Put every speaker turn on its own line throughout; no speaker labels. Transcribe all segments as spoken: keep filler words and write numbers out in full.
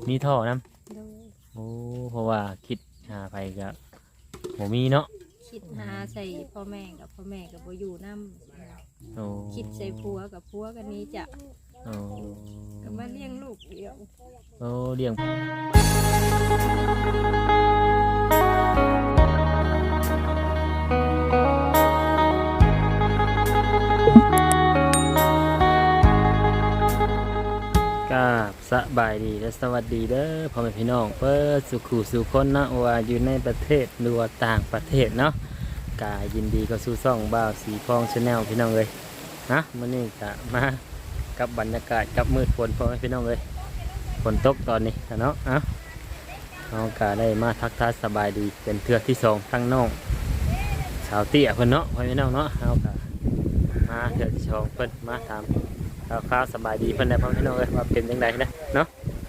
มีท่อน
โดย
ำโอ้เพราะว่าคิดหาไปก็บ่มีเนาะ
คิดหาใส่พ่อแม่กับพ่อแม่กับบ่อยู่นำ
โอ้
คิดใส่ผัวกับผัวกันนี้จะ
โอ้
ก็มาเลี้ยงลูกเดียว
โอ้เลี้ยงสบายดีและสวัสดีเด้อพ่อแม่พี่น้องเปิดสุขุสุคนเนาะว่าอยู่ในประเทศหรือว่าต่างประเทศเนาะกายินดีก็สู้ซ่องบ่าวสีพองชาแนลพี่น้องเลยนะมื้อนี้ก็มากับบรรยากาศกับมืดฝนพ่อแม่พี่น้องเลยฝนตกตอนนี้เนาะเอ้าเราก็ได้มาทักทายสบายดีเป็นเทือกที่สองทั้งน้องสาวเตี้ยเพิ่นเนาะพ่อแม่พี่น้องเนาะเราก็มาเทือกที่สองเพิ่นมาถามข้าวสบายดีเพื่อนได้พ่อพี่น้องเลยว่าเป็นยังไงนะเนาะ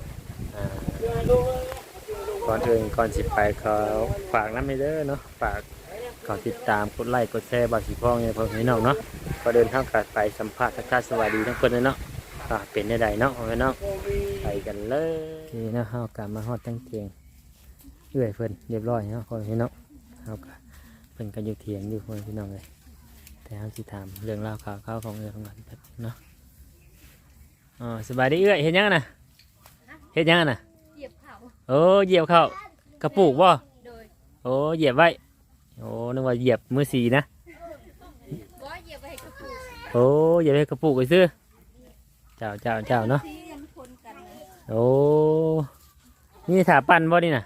ก่อนอื่นก่อนสิไปเขาฝากน้ำไม่เด้อเนาะฝากขอติดตามกดไลค์กดแชร์บาสีพ่องเนี่ยพ่อพี่น้องเนาะก็เดินทางกลับไปสัมภาษณ์ทักทายสวัสดีทั้งคนเลยเนาะเป็นได้ใดเนาะพ่อพี่น้องไปกันเลยที่นะเฮากลับมาฮอดตั้งเทียงเอื้อยเพิ่นเรียบร้อยเนาะพ่อพี่น้องเฮาก็เพิ่นก็อยู่เถียงอยู่พ่อพี่น้องเลยแต่เฮาสิถามเรื่องราวข่าวข่าวของเอื้อยของกันเนาะอ๋อสบายดีเอ้ยเห็นยังนะเห็นยังนะ
เหยียบเข่า
โอ้เหยียบเข้ากระปุกบ่โอ้เหยียบไว้โอ้นึกว่าเหยียบมือสีนะ
เหยียบไปกระปุก
โอ้เหยียบไปกระปุกไปซื้อเจ้าเจ้าเจ้าเนาะโอ้นี่ถาปั่นบ่นี่นะ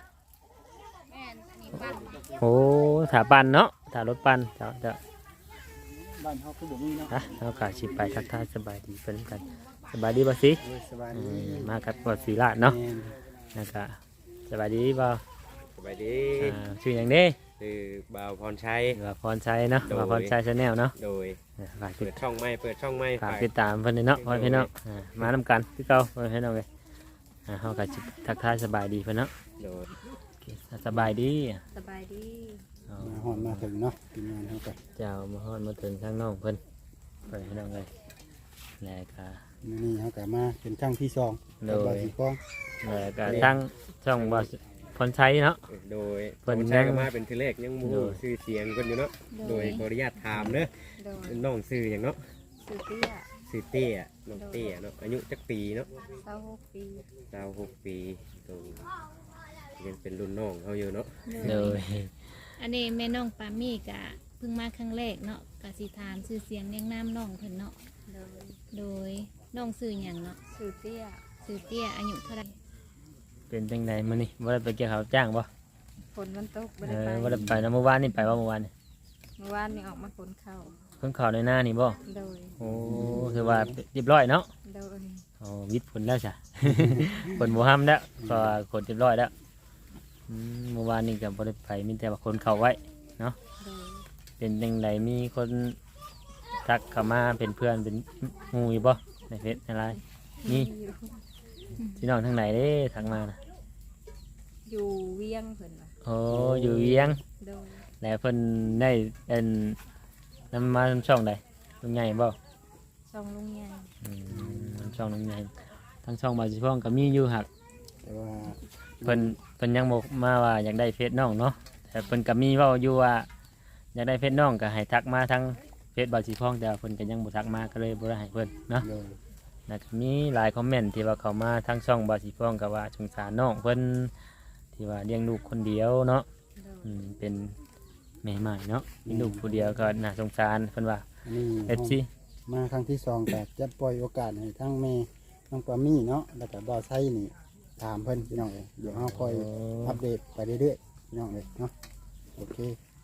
โอ้ถาปั่นเนาะถารถปั่นเจ้าเจ้า
บ้านเขาคือบ่มีเนาะ
ฮะเอากาชิไปทักทายสบายดีเป็นกันสบายดีบ่สิ
สบายดี
มากับบ่สีลาดเนาะนะครับสบายดีบ่
สบายดี
ชื่ออย่างนี้
คือบ่าวพรชัย
บ่าวพรชัยเนาะบ่าวพรชัยชาแนลเนาะ
โดยเปิดช่องไม่เปิดช่องไม่
ฝากติดตามเพิ่นเนาะพ่อพี่น้องมานำกันคือเก่าพ่อพี่น้องเลยเฮาก็ทักทายสบายดีเพิ่นเนาะ
โดย
สบายดี
สบายดี
มาฮอดมาถึงเนาะทีมงานเฮาก็
เจ้ามาฮอดมาถึงทางน้องเพิ่นพ่อพี่น้องเลยแล้วก็
นี่เฮาก็มาเป็นครั้งที่สอง
โดย
สีฟ้อง
แล้วก็ทั้งช่องบ่พรชัยเนาะ
โดยพรชัยก็มาเป็นทีแรกยังมูชื่อเสียงเพิ่นอยู่เนาะโดยขออนุญาตถามเด้อน้องชื่อหยังเนาะ
ชื่อเตี้ย
ชื่อเตี้ยน้องเตี้ยเนาะอายุจักปีเนาะ
ยี่สิบหกปี
ยี่สิบหกปีตรงยังเป็นรุ่นน้องเฮาอยู่เนาะ
โดย
อันนี้แม่น้องปามี่กะเพิ่งมาครั้งแรกเนาะกะสิถามชื่อเสียงเรียงนามน้องเพิ่นเนาะโดยน้องชื่อหยังเนาะ
ชื่อเตี้ย
ชื่อเตี้ยอายุเท่าไหร่
เป็นจังไดมื้อนี้บ่ได้ไปเกี่ยวข้าวจ้างบ่
ฝนมันตกบ่
ได้ไปบ่ได้ไปนะเมื่อวานนี่ไปว่าเมื่อวานนี่
เมื่อวานนี่ออกมาขนข้าว
ขนข้าวในหน้านี่บ่
โดย
โอ้คือว่าเรียบร้อยเนาะ
โดย
อ๋อวิทย์ผลแล้วจ้ะผลบ่ห้ามแล้วก็ขนเรียบร้อยแล้วเมื่อวานนี่ก็บ่ได้ไปมีแต่ว่าขนข้าวไว้เนาะเป็นจังไดมีคนทักเข้ามาเป็นเพื่อนเป็นหมู่อยู่บ่ในเฟซในไลน์นี่พี่น้องทางไหนเด้ทักมานะ
อยู่เวียงเพิ่นว่ะ
โอ้อยู่เวียงแล้วเพิ่นได้เป็นนำมาช่องใดลุงใหญ่บ่
ช่องลุงใหญ่
อืมช่องลุงใหญ่ทั้งช่องบ่าวสิพ้องก็มีอยู่หัก
แต่ว่า
เพิ่นเพิ่นยังบ่มาว่าอยากได้เฟซน้องเนาะแต่เพิ่นก็มีเว้าอยู่ว่าอยากได้เฟซน้องก็ให้ทักมาทางเฟซบ่าวสิพ้องแต่เพิ่นก็ยังบ่ทักมาก็เลยบ่ได้ให้เพิ่นเนาะแล้วก็มีหลายคอมเมนต์ที่ว่าเขามาทางช่องบ่าวสิพ้องก็ว่าสงสารน้องเพิ่นที่ว่าเลี้ยงลูกคนเดียวเนาะอืมเป็นแม่ใหม่เนาะมีลูกคนเดียวก็น่าสงสารเพิ่นว่าเอฟซี
มาครั้งที่สองแต่จะปล่อยโอกาสให้ทั้งแม่น้องปามี่เนาะแล้วก็บ่าวไส้นี่ถามเพิ่นพี่น้องเลยเดี๋ยวเฮาคอยอัปเดตไปเรื่อยๆพี่น้องเลยเนาะโอเค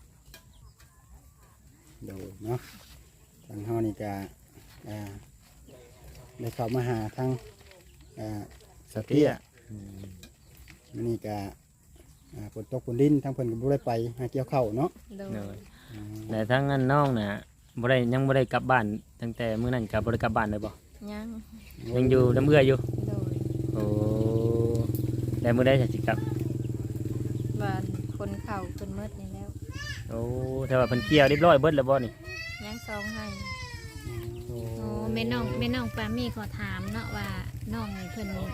เดี๋ยวเนาะทางเฮานี่ก็อ่าได้เข้ามาหาทางอ่าสเตียนี่ก็ฝนตกฝนดินทั้งเพิ่นก็บ่ได้ไปหาเกี่ยวข้าวเนาะ
แต่ทั้งนั้นน้องน่ะบ่ได้ยังบ่ได้กลับบ้านตั้งแต่มื้อนั้นก็บ่ได้กลับบ้านเลยบ่
ยัง
ยังอยู่น้ำเอื้ออยู่โอ้แล้วมื้อใดจะสิกลับ
บ้านคนเข้าคนมืดนี่แล้ว
โอ้แต่ว่าเพิ่นเกี่ยวเรียบร้อยเบิดแล้วบ่นี่
ยังซองให้
โอ้แม่น้องแม่น้องปามี่ขอถามเนาะว่าน้องเพิ่น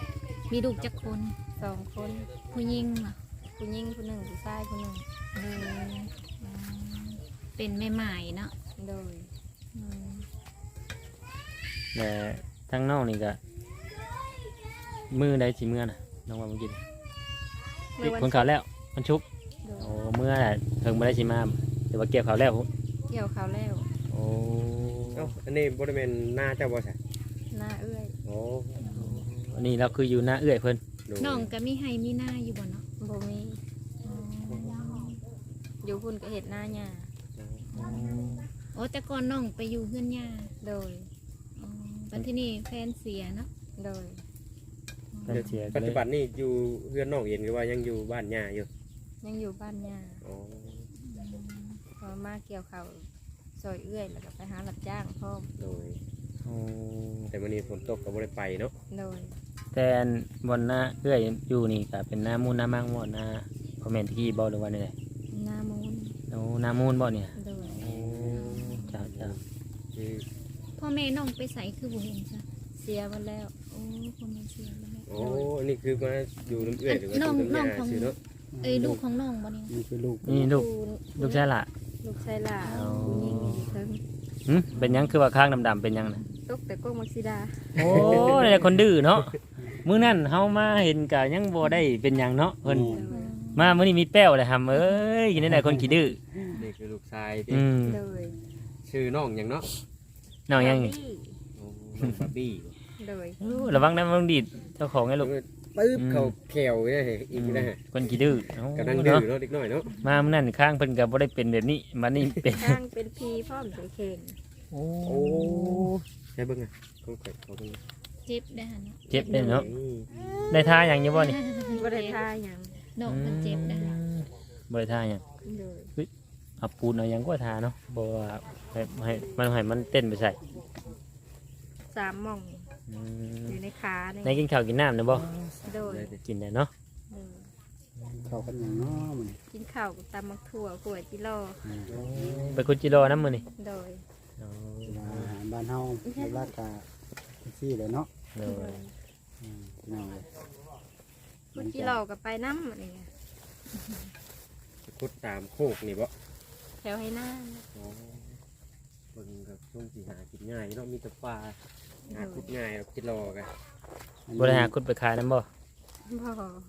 มีลูกจักคน
สองคน
ผู้หญิงเหรอ
ผู้หญิงผู้หนึ่งผู้ชายผู้หนึ่ง
โดยอืมเป็นแม่ใหม่เนาะ
โดย
อืม
แต่ทั้งน้องนี่ก็มือใดสิเมื่อน่ะน้องว่าเมื่อกี้
เมื่อวัน
คนข่าวแล้วมันชุก
โดย
โอ้เมื่อน่ะเพิ่งบ่ได้สิมาแต่ว่าเก็บข่าวแล้ว
เกี่ยวเขาวแล้ว
โอ้
เอ้าอันนี้บริเวณหน้าเจ้าบ่ใช่
หน้าเอื้อย
โอ้
อันนี้เราคืออยู่หน้าเอื้อยเพิ่น
ดู
น้องก็มีให้มีหน้าอยู่บ่เนาะ
บ่มี
อ๋อ
อยู่พุ่นก็เห็ดหน้าหญ้า
โอ้แต่ก่อนน้องไปอยู่เพื่อนย่า
โดย
อ๋อปัจจุบันนี้แฟนเสียเนาะ
โดย
เพิ่นเสียก็
ปัจ
เล
จุ
ย
บันนี่อยู่เพื่อนน้องเองหรือว่ายังอยู่บ้านย่าอยู่
ยังอยู่บ้านหญ้า
โอ้
พอมาเกี่ยวเขาวซอยเอื้อยแล้วก็ไปหารับจ้างพร้อม
โดย
โอ้
แต่วันนี้ฝนตกก็บ่ได้ไปเนาะ
โดย
แต่อันบนหน้าเอื้อยอยู่นี่ก็เป็นหน้ามูลหน้ามังบ่หน้าคอมเมนต์ที่บ่หรือว่าได
หน้ามูล
โอ้หน้ามูลบ่เนี่ย
โดย
โอ้เจ้าเจ้า
คือ
พ่อแม่น้องไปใส่คือบ่เห็นจ้ะ
เสียหมดแล้ว
โอ้พ่อแม่เสียแล้วแม่
โอ้อันนี้คือมาอยู่น้ำเอื้อยหรือว่า
น้อง
อยู่น้ำ
น้อง
ยา
ของ
สิเนาะ
เอ้ยลูกของน้องบ่เนี่ย
นี่คือลูก
นี่ลูกลูกชายล่ะ
ลูกชายหล่า
อ๋อ
ผู้หญิงอยู่เทิง
หึเป็นหยังคือว่าข้างดำๆเป็นหยังน่ะ
ตกแต่ก้งมักซิดา
โอ้นี่แหละคนดื้อเนาะมื้อนั้นเฮามาเห็นก็ยังบ่ได้เป็นหยังเนาะเพิ่น
โดย
มามื้อนี้มีแป้วเลยครับเอ้ยกินได้ไหนคนขี้ดื้อ
นี่คือลูกชายที่
อืม
โดย
ชื่อน้องหยังเนาะ
น้องยัง
บาร์บี้
โอ้น้องบาร์บี้
โดย
โอ้ระวังนะมันดีดเจ้าของไงลูก
ปึ๊บ
อืม
เขาแขวเนี่ยอีกนะฮะ
คนขี้ดื้อโอ้
กำลังดื้อ
เนาะ
เนาะเด็กน้อยเนาะ
มามื้อนั้นข้างเพิ่นก็บ่ได้เป็นแบบนี้มานี่เป็น
ข้างเป็นพีพร้อมใส่เข่ง
โอ้
โอ้ใช่เบิ่งอ่ะเขาข่อยเขาเบิ่ง
เจ็บได้หั่นเนาะ
เจ็บได้เนาะ
อืม
ได้ท่าหยังอยู่บ่นี่
บ่ได้ทาหยัง
น้องเพิ่นเจ็บได้หั่น
อืมบ่ได้ท่าหยัง
โดย
เอาปูนเอาหยังก็ท่าเนาะบ่ว่าให้ให้มันให้มันเต้นไปใส่
สามหม่อง
อืม
อยู่ในขาเนี่ย
ได้กินข้าวกินน้ำนะบ่
โดย
กินได้เนาะ
โดย
เข้ากันอย่างน้อมัน
กินข้าวกับตำมักถั่วขวดจิโร่
ไปคุจิโร่นำมื้อนี่
โดย
อ๋อ
อาหารบ้านเฮาเรียกว่ากาซี่เลยเนาะ
โดย
อืมพี่น้องเลย
ขวดจิโร่กับไปน้ำอะไรเงี้ย
คุดตามโคกนี่บ่
แถวให้หน้า
อ๋อเบิ่งกับช่วงสิหากินง่ายเนาะมีแต่ปลาหาคุดง่ายแล้วคิดรอกัน
บ่ได้หาคุดไปขายนำบ่
พ่อ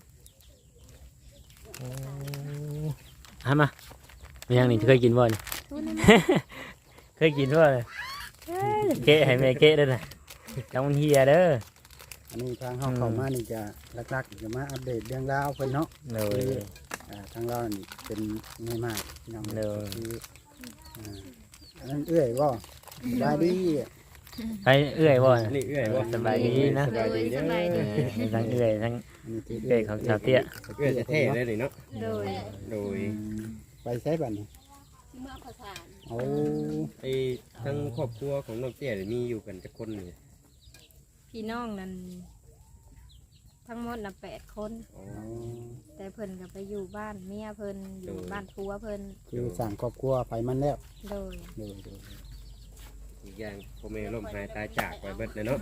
โอ้หามามีหยังนี่เคยกินบ่นี่
ทุนนี่
เคยกินบ่เนี่ยเกะให้แม่เกะเด้อน่ะจังมันเฮียเด้อ
อันนี้ทางเฮาเข้ามานี่จะลักๆจะมาอัปเดตเรื่องราวเพิ่นเนาะ
โดย
อ่าทางเรานี่เป็นง่ายมากพี่น้อง
เด้อ
คืออ่าอันนั้นเอื้อยบ่สบายดี
ไปเอื้อยบ่
อั
น่ะ
นนี้เอื้อยบ่
สบายดีนะ
สบายดีเด้อ
เออทั้งเอื้อยทั้ง
อันนี้คือ
เอื้อยของชาวเตี้ย
เอื้อยจะเท่เลยนี่เนาะ
โดย
โดย
อืมไปใช้บัดนี้โอ้
ไอ้ทั้งครอบครัวของน้องเตี้ยนี่มีอยู่กันจักคนนี่
พี่น้องนั้นทั้งหมดน่ะแปดคน
อ๋อ
อ๋อ
แต่เพิ่นก็ไปอยู่บ้านเมียเพิ่นอยู่
โดย
บ้านผัวเพิ่น
คือสั่งครอบครัวไปมันแล้ว
โดย
โดยโดย
อีกอย่างพ่อแม่ล้มหายตายจากไปเบิดเลยเนาะ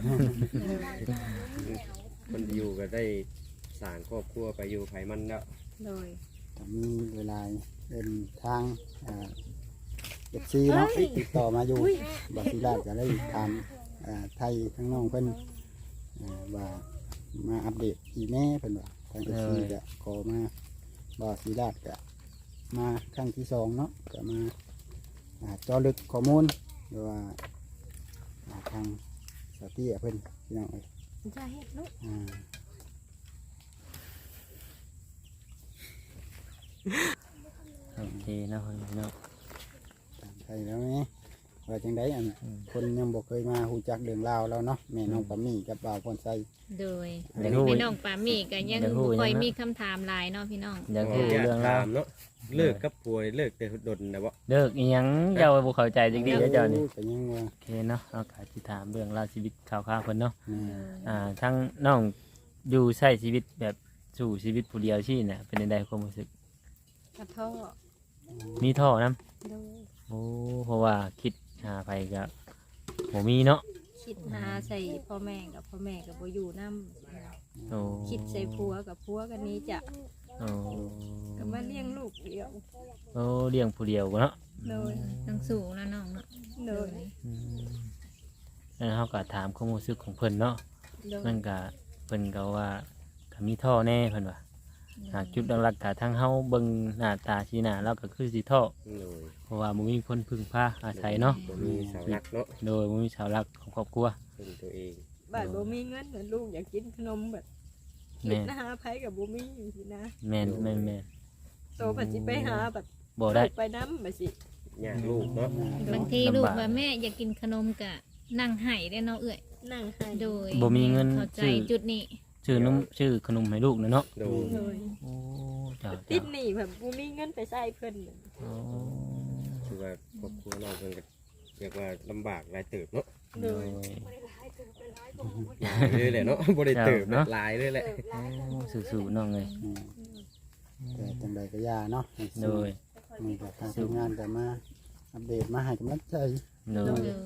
คนอยู่ก็ได้สร้างครอบครัวไปอยู่ไผมันแล้ว
โดย
ถ้ามีเวลาเดินทางอ่าเอฟซีเนาะติดต่อมาอยู่บาซิลาจะได้ถามอ่าไทยทั้งน้องเพิ่นอ่าว่ามาอัปเดตอีแม่เพิ่นว่าทางเอฟซีจะขอมาบาซิลาจะมาครั้งที่สองเนาะจะมาอ่าเจอลึกข้อมูลหรือว่าอ่าทางสาตี้เพิ่นพี่น้องเอ้ย
จะเฮ็ดลูก
อ่า
โอเคเนาะพี่น้อง
ถามไทยแล้วไหมว่าจังไดอัน
อืม
คนยังบอกเคยมาหูจักเรื่องราวแล้วเนาะแม่น้องปามี่กับบ่าวพรไซ
โดย
เดี๋ยวฮู้
แม่น้องปามี่ก็ยัง
เดี๋ยวฮู้
บ่ค่อย
ยังนะ
มีคำถามหลายเนาะพี่น้อง
อยากรู้
อยาก
เรื่องราว
ถามเนาะเลิกกับผัวเลิกแต่ดนนะบ่
เลิกอีหยังเจ้าบ่เข้าใจจักดีเด้อเจ้านี่
ก็ยังว่า
โอเคเนาะเราก็สิถามเรื่องราวชีวิตข่าวๆเพิ่นเนาะ
แม่
อ่าทั้งน้องอยู่ใช้ชีวิตแบบสู่ชีวิตผู้เดียวชี่น่ะเป็นจังไดความรู้สึก
กระท่อ
มีท่อนํ
โดย
โอ้เพราะว่าคิดหาไปก็บ่มีเนาะ
คิดหาใส่พ่อแม่กับพ่อแม่กับบ่อยู่น้
โอ้
คิดใส่ผัวกับผัวกันนี้จะ
โอ้
ก็มาเลี้ยงลูกเดียว
โอ้เลี้ยงผู้เดียวเนาะ
โดย
ต้องสู้นะน้องเนาะ
โดย
อืมแล้วเขาก็ถามความรู้สึกของเพิ่นเนาะ
โดย
มันก็เพิ่นก็ว่าก็มีท่อแน่เพิ่นว่าหากจุดหลักๆก็ทั้งเฮาเบิ่งหน้าตาสีหน้าแล้วก็คือสิท่อ
โดย
เพราะว่าบ่มีคนพึ่งพาอาศัยเนาะ
บ่มีเสาหลักเนาะ
โดยบ่มีเสาหลักของครอบครัว
เป็นตัวเอง
บ้านบ่มีเงินเหมือนลูกอยากกินขนมแบบคิ
แม่
ด
น
นะหาไผกับบ่มีสินะ
แม่นแม่นแม่น
โตผัดสิไปหาแบบ
บ่ได้
ลูกไปน้ำแบบสิ
ยากลูกเนาะ
บางทีลูกว่าแม่อยากกินขนมกะนั่งไห้ได้เนาะเอื้อย
นั่งให้
โดย
บ่มีเงิน
เข้าใจ
ซื้อ
จุดนี้
ชื่อนมชื่อขนมให้ลูกนะเนาะ
โดย
โดย
โอ้เจ้า
ติ
เจ้า
ดหนี้แบบบ่มีเงินไปใช้เพิ่นน่ะ
โอ้
คือว่าครอบครัวน้องเพิ่นก็เรียกว่าลำบากหลายเติบเนาะ
โด
โด
ย
ย
หลายเลยแหละเนาะบ่ได้เติบ
เนาะ
หลายเลยแหละ
โอ้สู้ๆน้องเอ้ย
อืมแต่จังใดก็ย่าเนาะให้
โด
สู้
ย
มีกับทางทีมงานก็มาอัปเดตมาให้กำลังใจ
โด
โด
ย
ย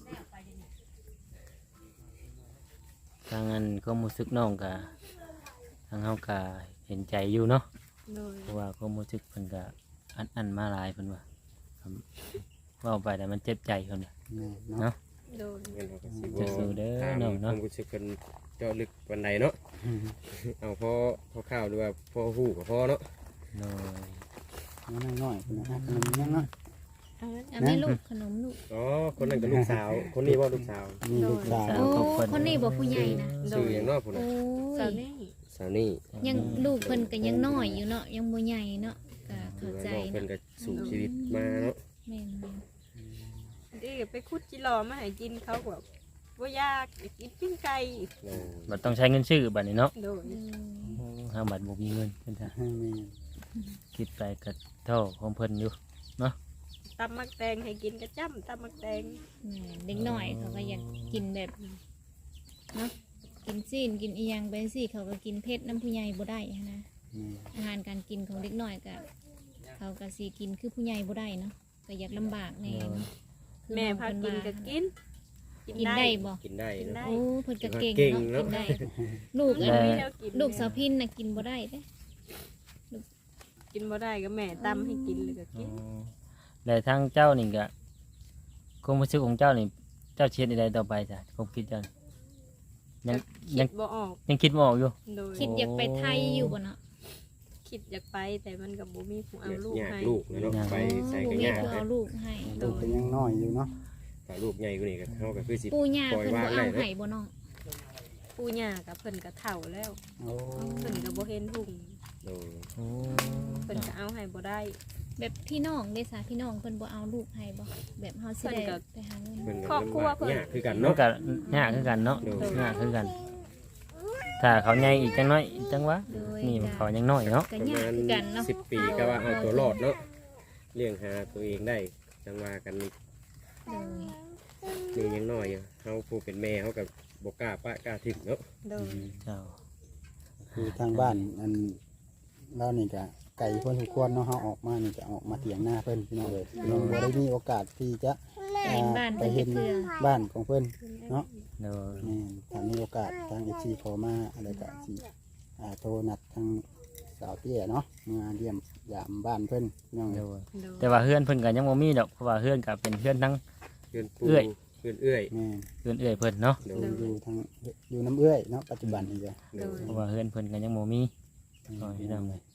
ทางนั้นก็รู้สึกน้องก็ทางเฮาก็เห็นใจอยู่เนาะ
โดย
เพราะว่าก็รู้สึกเพิ่นก็อันอันมาหลายเพิ่นว่าครับเว้าไปแต่มันเจ็บใจเพิ่นว่า
แม่เนาะ
เนาะ
โดย
งั้นเราก็สิ
จะสู้เด้อ
ถาม
น้อง
ค
เนาะ
วามรู้สึกเพิ่นเจาะลึกปานใดเนาะ
อืม
เอาพอพอข้าวหรือว่าพอฮู้ก็พอเนาะ
โดย
น้อยน้อยๆคนนะฮะขนมยังเนาะ
เอางั้น
อันนี้ลูกขนมลูก
อ๋อคนนั้นก็ลูกสาว คนนี้บ่ลูกสาว
นี่ลูกสาว
สาว
โอ้
ของเพิ่น
คนนี้บอกผู้ใหญ่นะ
ชื่อหยังเนาะพุ่น
โอ้
น่ะ
สาวย นี่
สาวนี่
ยังลูกเพิ่นก็ยังน้อยอยู่เนาะยังบ่ใหญ่เนาะก็เข้าใจ
น้องเพิ่น
เนาะ
ก็สู่ชีวิตมาเนาะ
แม่น
ดีไปคุดจิรอมาให้กินเขาแบบบ่ยากอยากกินปิ้งไก่
โอ้
บัดต้องใช้เงินซื้อบัดนี้เนาะ
โดย
ๆอืม
โอ้ห้าบัดบ่มีเงินเพิ่นจ้ะ
ให้แม่
คิดไปก็เท่าของเพิ่นอยู่
ตำมักแตงให้กินกระจ้ำตำมักแตง
แม่นเด็กน้อยเขาก็อยากกินแบบเนาะกินซีนกินอีหยังไปสิเขาก็กินเผ็ดน้ำผู้ใหญ่บ่ได้หั้นนะ
แม่
อาหารการกินของเด็กน้อยก็เขาก็สิกินคือผู้ใหญ่บ่ได้เนาะก็อยากลำบากแน่เนาะคือ
แม่
น้อง
พา
เพิ่
กิน
ว่า
ก็กิน
กินได้บ่
กินได้
กิน
เนาะ
ได้
โอ้เพิ่นก็เก่ง
เก่ง
เนาะ
เนาะ
กินได้ ลูก
มั
อั
น
น
มีแนวกิน
ลูกสาวพินน่ะกินบ่ได้เด้
กินบ่ได้ก็แม่ตำให้กินเลยก็กิน
แล้วทางเจ้านี่ก็ความรู้สึกของเจ้านี่เจ้าเชียดอะไรต่อไปจ้ะความคิดเจ้านี่ยัง
คิ
ยัง
ดบ่ออก
ยังคิดไม่ออกอยู่
โดย
คิดอยากไปไทยอยู่บ่เนาะ
คิดอยากไปแต่มันกับบ่มีผู้เอา
อยาก
ลูก
อยาก
ให้
ลูกเนาะไปใส่
โอ้
กัน
มี
ยาก
ผู้
นะ
เอาลูกให้
ลูกก็ยังน้อยอยู่เนาะ
ถ้าลูกใหญ่กว่านี้ก็เฮาก็คือสิ
ปู่ย่า
ปล่อย
เพิ่นบ่
วางได้
เอา
เนาะ
ให้บ่น้อง
ปู่ย่ากับเพิ่นก็เฒ่าแล้ว
โอ้
เพิ่นก็บ่เห็นหุ่ง
โอ้
โอ้
เพิ่นก็เอาให้บ่ได้
แบบพี่น้องเด้ซะพี่น้องเพิ่นบ่เอาลูกให้บ่แบบเฮาสิได้
เพิ่นก็
ไปหาเงิน
เพิ่นก็
ครอบครัว
ลำบาก
เพิ่น
ยากคือกัน
มัน
เนาะ
ก็ยากคือกันเนาะ
โดย
ยากคือกัน ถ้าเขาใหญ่อีกจังน้อยจังวะ
โดย
นี่
ก็
เขายังน้อยเนาะ
ก็
ประ
ยาก
มาณ
คือกันเนาะ
สิบปีก็ว่าเอาตัวรอดเนาะเลี้ยงหาตัวเองได้จังว่ากันนี่
โดย
นี่ยังน้อยอยู่เฮาผู้เป็นแม่เฮาก็บ่กล้าปะกล้าทิ้งเนาะ
โดย
เจ้า
คือทางบ้านอันเรานี่ก็ไก่เพิ่นทุกคนเนาะเฮาออกมานี่จะออกมาเถียงหน้าเพิ่นพี่น้องเลยเราบ่ได้มีโอกาสที่จะ
เห็นบ้าน
ไป
เพิ่น
เห็น
จะเทื่อ
บ้านของเพิ่นเนาะ
โดย
แม่นถ้ามีโอกาสทาง เอฟ ซี ขอมาอะไรก็สิอ่าโทรนัดทางสาวเตี้ยเนาะมาเยี่ยมยามบ้านเพิ่นพี่น้อง
โด
เลย
ย
โดย
แต่ว่าเฮือนเพิ่นก็ยังบ่มีดอกเพราะว่าเฮือนก็เป็นเฮือนทั้ง
เพื่อนปู
เอื้อย
เพื่อนเอื้อย
แม่น
เฮือนเอื้อยเพิ่นเนาะ
โด
อย ยู่ทางอยู่น้ำเอื้อยเนาะปัจจุบันนี่จ้ะ
โดย
เพราะว่าเฮือนเพิ่นก็ยังบ่มีก็พี่น้องเลย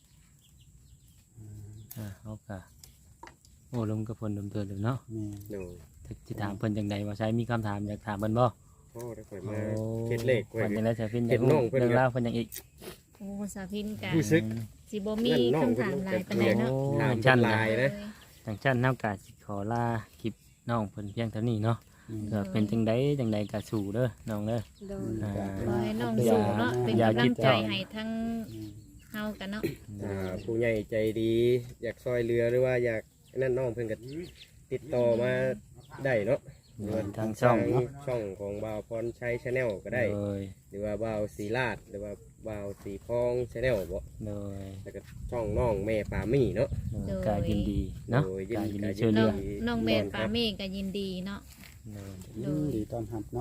อ่าเฮาก็โอ้ลมกับเพิ่นดมเตือนเลยเนาะ
แม่น
โดย
สิถามเพิ่นจังใดว่าใช้มีคำถามอยากถามเพิ่นบ่
พ่อได้ข่อยมาเฮ็ดเลขไว้
เพิ่นจังได๋สิฟิน
เฮ็ดน้องเพิ่น
เรื่องราวเพิ่นหยังอีก
โอ้สาวพินก็
รู้สึก
สิบ่มี
นั่นน้อง
คำถามหลายปานใด
เพิ่น
เนาะ
ถาม
ชั้น
ลายนะ
จังชั้นเฮาก็สิขอลาคลิปน้องเพิ่นเพียงเท่านี้เนาะ
แม่น
เกิดเป็นจังใดจังใดก็สู้เด้อน้องเด้อ
โดย
อ่า
ขอให้น้องสู้เนาะเป็น
อย่าก
ำลั
คิ
ง
ด
ใจ
ต่อ
ให้ทั้งเฮากันเนาะ
อ่าผู้ใหญ่ใจดี อยากซอยเรือหรือว่าอยากนั่นน้องเพิ่นก็ติดต่อมาได้เนาะหรือว่า
ทางช่องเนาะ
ช่องของบ่าวพรชัยชาแนลก็ได้
โดย
หรือว่าบ่าวสีลาดหรือว่าบ่าวสีพองชาแนลบ่
โดย
แล้วก็ช่องน้องแม่ปามี่เนาะ
โดยการยินดีเนาะ
โดยยิน
การ
ดี
ยินดี
การยินดี
ช่วยเห
น้
ลื
อ
อง
น้องแม่ปาเม่ก็ยินดีเนาะ
โดย
โดย
ดีต้อนรับเนาะทุก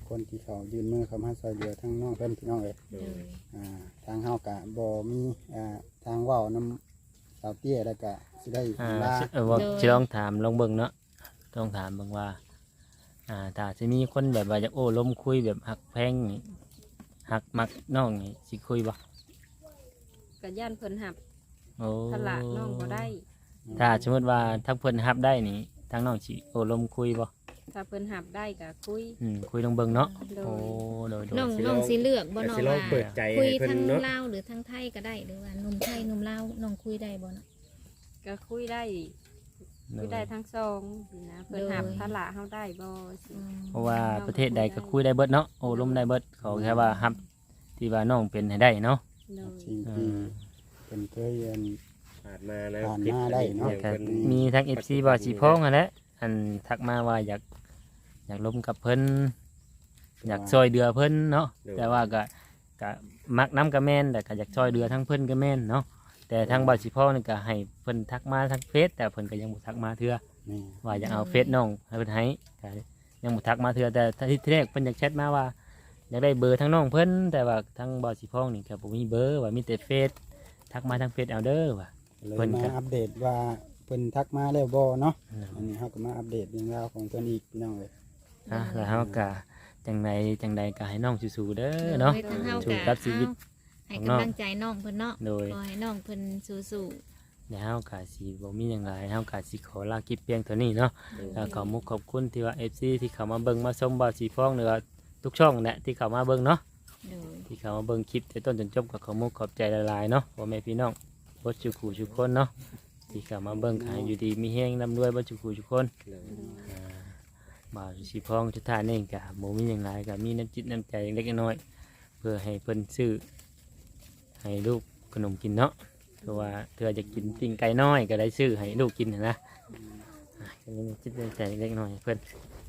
คนที่เขายืนมือเข้ามาช่วยเหลือทั้งน้องเพิ่นพี่น้องเอ้ย
โดย
อ่าทางเฮากะบ่มีอ่าทางเว้านํสาวเตี้ยแล้วก็สิได้
อ่า
ลา
เออว่าสิลองถามลองเบิ่งเนาะต้องถามเบิ่งว่าอ่าถ้าสิมีคนแบบว่าอยากโอ้ล้มคุยแบบหักแพงนี่หักมักน้องนี่สิคุยบ่
ก็ย่านเพิ่นหับ
โอ้
ทละน้องบ่ได้
ถ้าสมมติว่าทั้งเพิ่นรับได้นี่ทั้งน้องสิโอ้ล้มคุยบ่
ถ้าเพิ่นหับได้ก็คุย
อืมคุยลองเบิ่งเนาะ
โด
โอ้
ย
โดยโด
น้อย งน้องสิเลือกบ่
ก็
เนาะ
สิลอง
ว่า
เปิดใจ
คุย
ให้เพิ่น
ทั้ง
เนาะ
ลาวหรือทั้งไทยก็ได้หรือว่าหนุ่มไทยหนุ่มลาวน้องคุยได้บ่เนาะ
ก็คุยได้คุยได้ทั้งสองนะเพิ่นหับทละเฮาได้บ่สิ
อืม
เพราะว่าประเทศใดก็คุยได้เบิดเนาะโอ้ล้มได้เบิดเขาแค่ว่ารับที่ว่าน้องเป็นให้ได้เนาะ
โดย
สิ่ง
อื
ที่
ม
เป็นเคยเรียน
ผ่านมานะ
ผ่าน
คลิป
มาได้เนาะ
อย่าง
ก็
เพิ่น
มีทั้ง เอฟ ซี บ่าวสีพองนั่นแหละอันทักมาว่าอยากอยากล้มกับเพิ่นอยากช่วยเดือเพิ่นเนาะแต่ว่าก็ก็มักน้ำก็แม่นแต่ก็อยากช่วยเดือทั้งเพิ่นก็แม่นเนาะแต่ทางบ่าวสีพองนี่ก็ให้เพิ่นทักมาทางเฟซแต่เพิ่นก็ยังบ่ทักมาเทื่อ
นี่
ว่าอยากเอาเฟซน้องให้เพิ่นให้ก็ยังบ่ทักมาเทื่อแต่ที่แรกเพิ่นอยากแชทมาว่าอยากได้เบอร์ทั้งน้องเพิ่นแต่ว่าทางบ่าวสีพองนี่ก็บ่มีเบอร์ว่ามีแต่เฟซทักมาทางเฟซเอาเด้อว่า
เลย
เพิ่น
มา
ก็
อัปเดตว่าเพิ่นทักมาแล้วบ่เนาะอันนี้เฮาก็มาอัปเดตเรื่องราวของเพิ่นอีกพี่น้องเอ้ย
อ่ะแล้วเฮาก็จังใดจังใดก็ให้น้องสู้ๆเด้อเนาะ
โดยทางเฮา
สู้
ก็
กับชีวิต
เอาให้
ของน้อง
กำลังใจน้องเพิ่นเนาะ
โดย
ขอให้น้องเพิ่นสู้
เดี๋ยวเฮาก็สิบ่มีหยังหลายเฮาก็สิขอลาคลิปเพียงเท่านี้เนาะแล้วขอมุกขอบคุณที่ว่า เอฟ ซี ที่เข้ามาเบิ่งมาชมบ่าวสีฟองหรือว่าทุกช่องแหละที่เข้ามาเบิ่งเนาะ
ๆโดย
ที่เข้ามาเบิ่งคลิปแต่ต้นจนจบก็ขอมุกขอบใจหลายๆเนาะพ่อแม่พี่น้องบ่จุกูทุกคนเนาะที่เข้ามาเบิ่งขายอยู่ดีมีแฮงร่ำรวยบ่จุกูทุกคนอ่าบ่าวสีฟองทุกท่านเองก็บ่มีหยังหลายก็มีน้ำจิตน้ำใจเล็กน้อยเพื่อให้เพิ่นซื้อให้ลูกขนมกินเนาะเพราะว่าเธอจะกินปิ้งไก่น้อยก็ได้ซื้อให้ลูกกินนะนะอ่ะก็มีน้ำจิตน้ำใจเล็กน้อยให้เพิ่น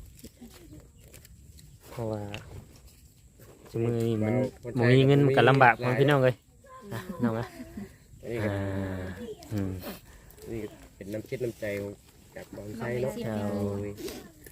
เพราะว่าสมือนี้มันบ่มีเงินมันก็ลำบากของพี่น้องเลยอ่ะน้องอ่ะ
อันนี้ก็
อ่าอืม
นี่ก็เป็นน้ำคิดน้ำใจจากบางไซเนาะ
เอา
โดย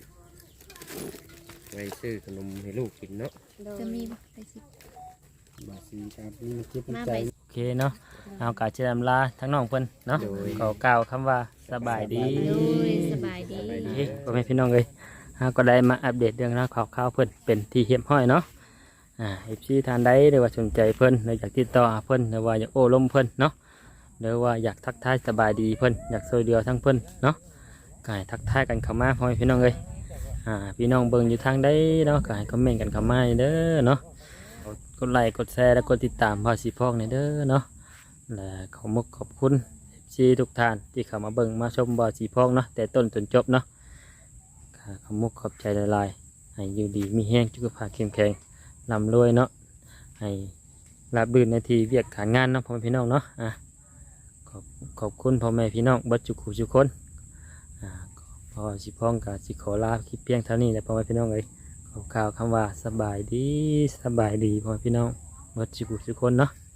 ไว้ซื้อขนมให้ลูกกินเนาะ
โดย
จะมีบ่ไปสิ
บาสีครับนี่มันคิดมัน
มา
ใจ
ไป
โอเคเนาะเอากาจะดำลาทั้งน้องเพิ่นเนาะ
โดย
ขอกล่าวคำว่าสบายดี
โดยสบายดี
เอ้ยพ่อแม่พี่น้องเลยเราก็ได้มาอัปเดตเรื่องราวข่าวๆเพิ่นเป็นที่เฮียบห้อยเนาะอ่าเอฟซีทานใดหรือว่าสนใจเพิ่นหรืออยากติดต่อหาเพิ่นหรือว่าอยากโอ้ล้มเพิ่นเนาะหรือว่าอยากทักทายสบายดีเพิ่นอยากช่วยเหลือทั้งเพิ่นเนาะก็ให้ทักทายกันเข้ามาพ่อแม่พี่น้องเลยอ่าพี่น้องเบิ่งอยู่ทางใดเนาะก็ให้คอมเมนต์กันเข้ามาเด้อเนาะกดไลค์กดแชร์และกดติดตามพ่อสีพอกในเด้อเนาะและขอมุกขอบคุณ ซีทุกท่านที่เข้ามาเบิ่งมาชมบ่อสีพองเนาะแต่ต้นจนจบเนาะค่ะขอมุกขอบใจละลายๆให้อยู่ดีมีแห้งสุขภาพเข้มแข็งร่ำรวยเนาะให้ราบรื่นในทีเวียกขานงานเนาะพ่อแม่พี่น้องเนาะอ่ะขอบขอบคุณพ่อแม่พี่น้องเบัดจุกหูจุกคนอ่าพอสีพองกับสีขอลาคลิปเพียงเท่านี้แหละพ่อแม่พี่น้องเลยขอข่าวคำว่าสบายดีสบายดีพ่อแม่พี่น้องเบัดจุกหูจุกคนเนาะ